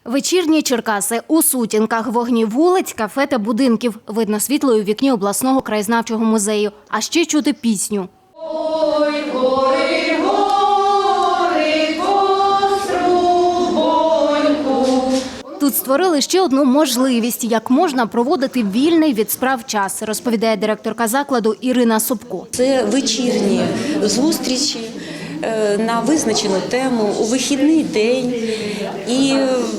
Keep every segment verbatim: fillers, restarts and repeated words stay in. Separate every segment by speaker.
Speaker 1: Вечірні Черкаси. У сутінках вогні вулиць, кафе та будинків. Видно світло у вікні обласного краєзнавчого музею. А ще чути пісню. Ой, гори, гори, Кострубоньку. Тут створили ще одну можливість, як можна проводити вільний від справ час, розповідає директорка закладу Ірина Собко.
Speaker 2: Це вечірні зустрічі на визначену тему у вихідний день. І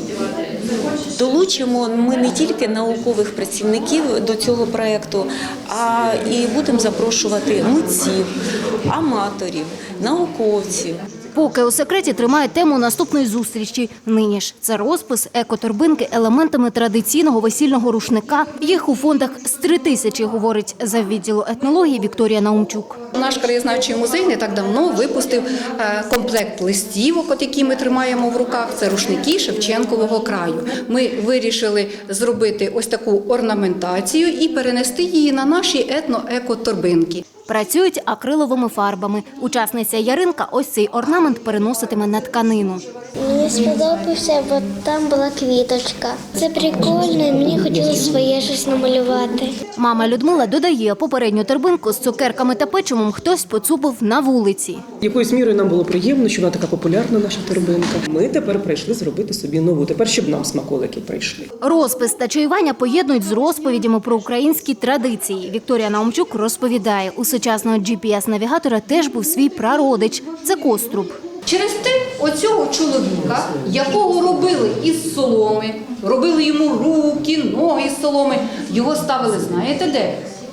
Speaker 2: долучимо ми не тільки наукових працівників до цього проєкту, а і будемо запрошувати митців, аматорів, науковців.
Speaker 1: Поки у секреті тримають тему наступної зустрічі. Нині ж це розпис екоторбинки елементами традиційного весільного рушника. Їх у фондах з три тисячі, говорить заввідділу етнології Вікторія Наумчук.
Speaker 3: Наш краєзнавчий музей не так давно випустив комплект листівок, от які ми тримаємо в руках. Це рушники Шевченкового краю. Ми вирішили зробити ось таку орнаментацію і перенести її на наші етно-екоторбинки.
Speaker 1: Працюють акриловими фарбами. Учасниця Яринка ось цей орнамент переноситиме на тканину.
Speaker 4: Мені сподобався, бо там була квіточка. Це прикольно, і мені хотілося своє щось намалювати.
Speaker 1: Мама Людмила додає, попередню торбинку з цукерками та печивом хтось поцупив на вулиці.
Speaker 5: Якоюсь мірою нам було приємно, що вона така популярна, наша торбинка. Ми тепер прийшли зробити собі нову, тепер щоб нам смаколики прийшли.
Speaker 1: Розпис та чаювання поєднують з розповідями про українські традиції. Вікторія Наумчук розповідає, у сучасного джі пі ес-навігатора теж був свій прародич – це коструб.
Speaker 3: Через те оцього чоловіка, якого робили із соломи, робили йому руки, ноги з соломи, його ставили, знаєте де?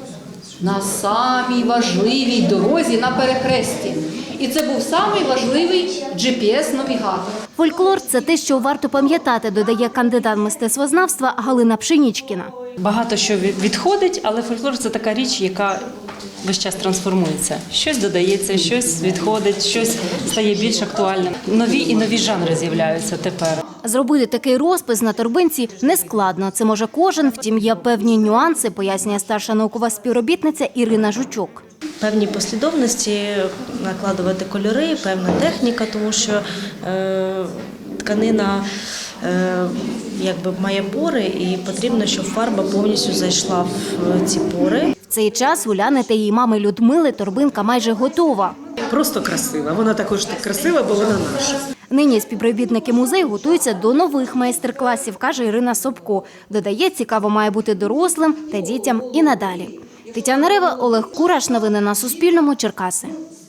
Speaker 3: На самій важливій дорозі на перехресті. І це був самий важливий джі пі ес-навігатор.
Speaker 1: Фольклор – це те, що варто пам'ятати, додає кандидат мистецтвознавства Галина Пшенічкіна.
Speaker 6: Багато що відходить, але фольклор – це така річ, яка весь час трансформується. Щось додається, щось відходить, щось стає більш актуальним. Нові і нові жанри з'являються тепер.
Speaker 1: Зробити такий розпис на торбинці нескладно. Це може кожен, втім є певні нюанси, пояснює старша наукова співробітниця Ірина Жучок.
Speaker 7: Певні послідовності, накладувати кольори, певна техніка, тому що е, тканина е, якби має пори і потрібно, щоб фарба повністю зайшла в ці пори.
Speaker 1: В цей час у Ляни та її мами Людмили торбинка майже готова.
Speaker 5: Просто красива. Вона також так красива, бо вона наша.
Speaker 1: Нині співробітники музею готуються до нових майстер-класів, каже Ірина Собко. Додає, цікаво має бути дорослим та дітям і надалі. Тетяна Рева, Олег Кураш. Новини на Суспільному. Черкаси.